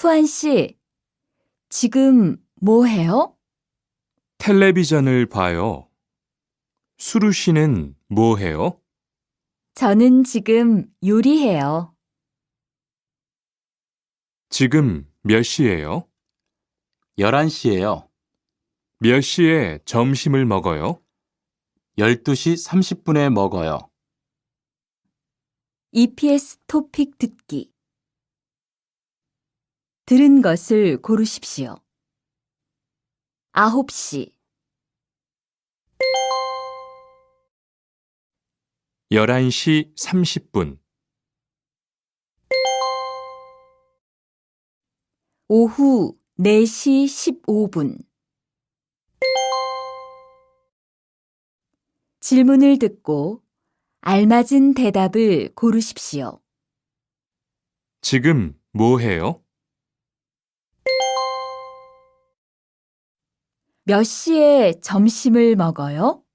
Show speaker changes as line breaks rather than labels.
수환 씨, 지금 뭐 해요?
텔레비전을 봐요. 수루 씨는 뭐 해요?
저는 지금 요리해요.
지금 몇 시예요?
11시예요.
몇 시에 점심을 먹어요?
12시 30분에 먹어요.
EPS 토픽 듣기. 들은 것을 고르십시오. 9시,
11시 30분,
오후 4시 15분. 질문을 듣고 알맞은 대답을 고르십시오.
지금 뭐 해요?
몇 시에 점심을 먹어요?